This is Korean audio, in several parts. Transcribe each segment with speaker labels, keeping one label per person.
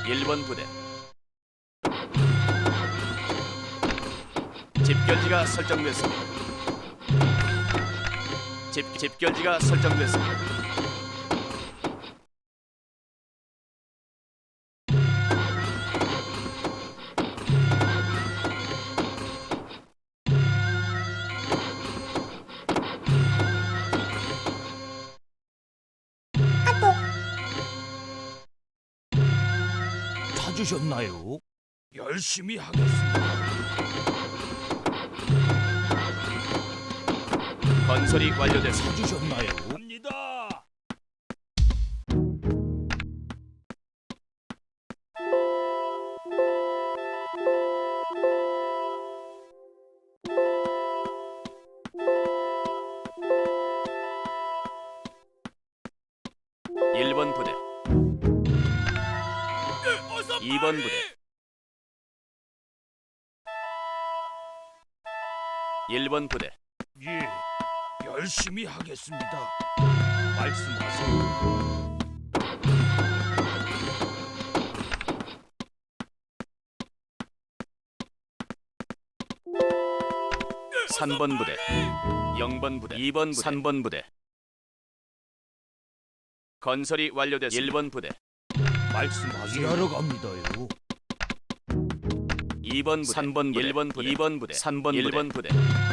Speaker 1: 1번 부대. 집결지가 설정됐습니다. 집결지가 설정됐습니다.
Speaker 2: 찾으셨나요? 열심히 하겠습니다.
Speaker 1: 건설이 완료됐습니다.
Speaker 2: 찾으셨나요? 갑니다.
Speaker 1: 1번 부대. 2번 부대. 1번 부대.
Speaker 2: 예, 열심히 하겠습니다. 말씀하세요.
Speaker 1: 3번 부대. 0번 부대. 2번 부대. 3번 부대. 건설이 완료됐습니다. 1번 부대.
Speaker 2: 말씀하세요. 일하러 갑니다요.
Speaker 1: 2번 부대. 3번 부대. 1번 부대. 2번 부대. 3번 1번 부대.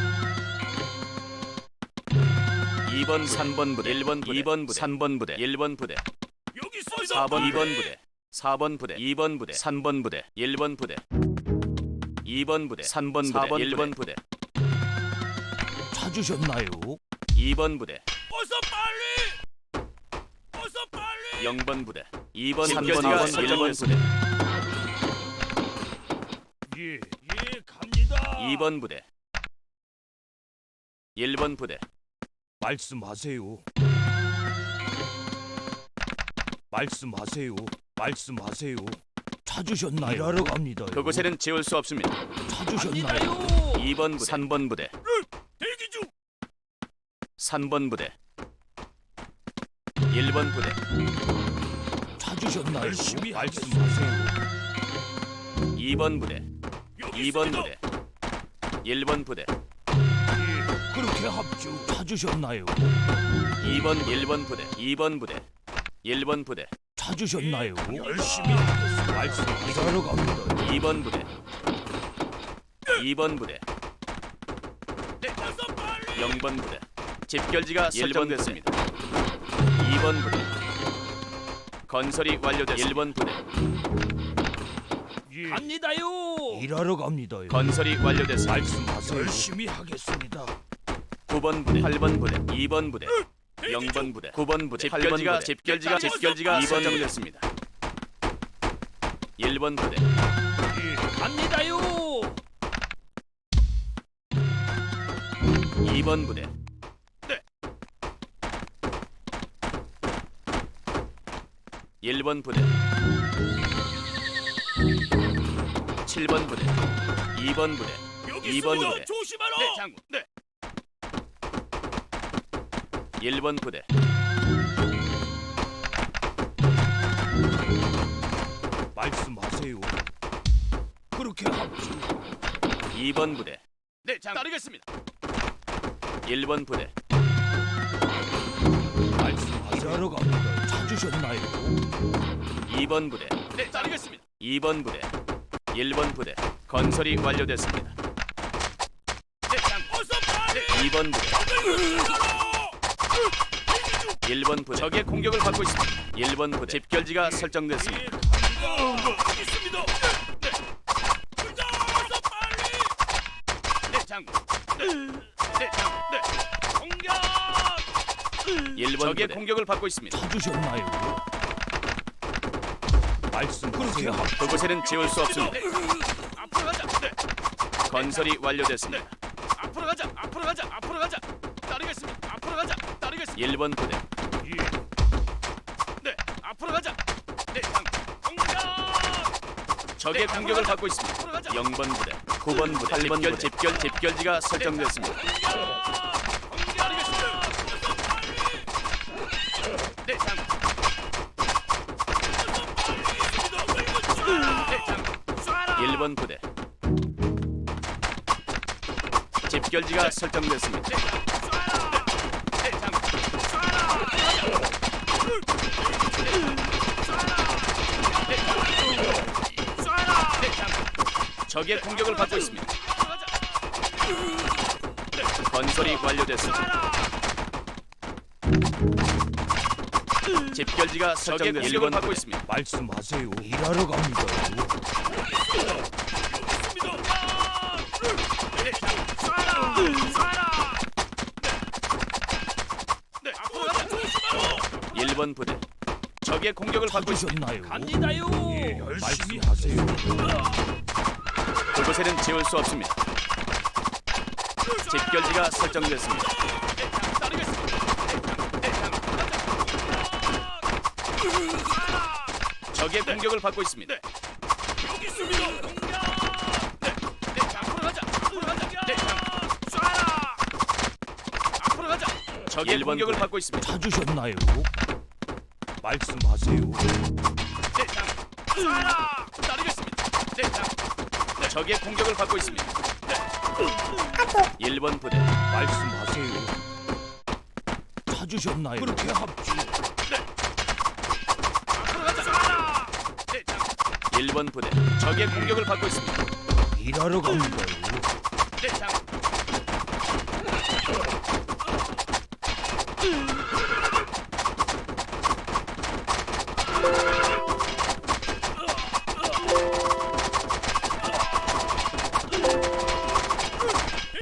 Speaker 1: 2번 3번 부대. 1번 부대. 2번 부대. 3번 부대. 1번 부대.
Speaker 2: 여기 있습니다.
Speaker 1: 4번 2번 부대. 4번 부대. 2번 부대. 3번 부대. 1번 부대. 2번 부대. 3번 부대. 4번 1번 부대.
Speaker 2: 찾으셨나요?
Speaker 1: 2번 부대.
Speaker 2: 어서 빨리! 어서 빨리!
Speaker 1: 0번 부대. 2번 3번
Speaker 2: 집결지가
Speaker 1: 2번 1번 부대.
Speaker 2: 예, 예, 갑니다.
Speaker 1: 2번 부대. 1번 부대.
Speaker 2: 말씀하세요. 말씀하세요. 말씀하세요. 찾으셨나요? 일하러 갑니다.
Speaker 1: 그곳에는 지울 수 없습니다.
Speaker 2: 찾으셨나요?
Speaker 1: 2번 부대. 3번 부대.
Speaker 2: 대기 중.
Speaker 1: 3번 부대. 1번 부대.
Speaker 2: 찾으셨나요? 열심히 말씀하세요.
Speaker 1: 2번 부대. 2번 부대. 1번 부대.
Speaker 2: 예, 그렇게 합주. 찾으셨나요?
Speaker 1: 2번 1번 부대. 2번 부대. 1번 부대.
Speaker 2: 찾으셨나요? 열심히 하겠습니다. 말씀하세요. 일하러 갑니다.
Speaker 1: 2번 부대. 2번 부대.
Speaker 2: 어서 빨리!
Speaker 1: 0번 부대. 집결지가 설정됐습니다. 2번 부대. 건설이 완료됐습니다. 1번 부대.
Speaker 2: 예. 갑니다요. 일하러 갑니다요.
Speaker 1: 건설이 완료됐습니다.
Speaker 2: 말씀하세요. 열심히 하겠습니다.
Speaker 1: 9번 부대. 8번 부대. 2번 부대. 0번 부대. 9번 부대. 집결지가 2번 설정됐습니다. 1번 부대.
Speaker 2: 예, 갑니다요.
Speaker 1: 2번 부대.
Speaker 2: 네.
Speaker 1: 1번 부대. 7번 부대. 2번 부대.
Speaker 2: 여기
Speaker 1: 2번
Speaker 2: 있습니다.
Speaker 1: 부대.
Speaker 2: 조심하라.
Speaker 1: 네, 장군. 네. 1번 부대.
Speaker 2: 말씀하세요. 그렇게 합주.
Speaker 1: 2번 부대. 네, 장 따르겠습니다. 1번 부대.
Speaker 2: 말씀하세요. 일하러 갑니다. 찾으셨나요?
Speaker 1: 2번 부대. 네, 따르겠습니다. 2번 부대. 1번 부대. 건설이 완료됐습니다. 네, 장
Speaker 2: 어서 빨리!
Speaker 1: 2번 부대. 1번 부대. 적의 공격을 받고 있습니다. 1번 부대. 집결지가 설정됐습니다.
Speaker 2: 여기 있습니다. 네. 어서 빨리!
Speaker 1: 네, 장군. 네, 장군. 네.
Speaker 2: 공격!
Speaker 1: 1번 적의 공격을 받고 있습니다.
Speaker 2: 찾으셨나요? 말씀 그렇게 합주.
Speaker 1: 그곳에는 지울 수 없습니다.
Speaker 2: 앞으로 가자. 네.
Speaker 1: 건설이 완료됐습니다.
Speaker 2: 앞으로 가자. 앞으로 가자. 앞으로 가자. 따르겠습니다. 앞으로 가자. 따르겠습니다.
Speaker 1: 1번 부대.
Speaker 2: 예. 네. 앞으로 가자. 네. 공격!
Speaker 1: 적의 공격을 받고 있습니다.
Speaker 2: 앞으로 가자.
Speaker 1: 0번 부대. 9번 부대. 8번 부대. 집결지가 설정됐습니다. 네, 장군. 1번 부대. 집결지가 설정됐습니다. 적의 공격을 받고 있습니다. 건설이 완료됐습니다. 집결지가 설정됐습니다. 적의 공격을 받고 있습니다.
Speaker 3: 말씀하세요. 일하러 갑니다요.
Speaker 2: 네, 앞으로 가자.
Speaker 1: 1번 부대. 적의 공격을 받고 있습니다.
Speaker 3: 찾으셨나요?
Speaker 2: 갑니다요.
Speaker 3: 예, 열심히 하세요.
Speaker 1: 그곳에는 지울 수 없습니다. 집결지가 설정됐습니다. 적의 공격을 받고 있습니다.
Speaker 2: 여기 있습니다. 앞으로 가자. 앞으로 가자. 쏴라. 앞으로 가자.
Speaker 1: 적의 공격을 받고 있습니다.
Speaker 3: 찾으셨나요? 말씀하세요.
Speaker 2: 쏴라. 따르겠습니다.
Speaker 1: 적의 공격을 받고 있습니다. 1번 부대.
Speaker 3: 말씀하세요. 찾으셨나요? 그렇게 합주.
Speaker 2: 앞으로 가자. 쏴라.
Speaker 1: 1번 부대. 적의 공격을 받고 있습니다.
Speaker 3: 일하러 갑니다요.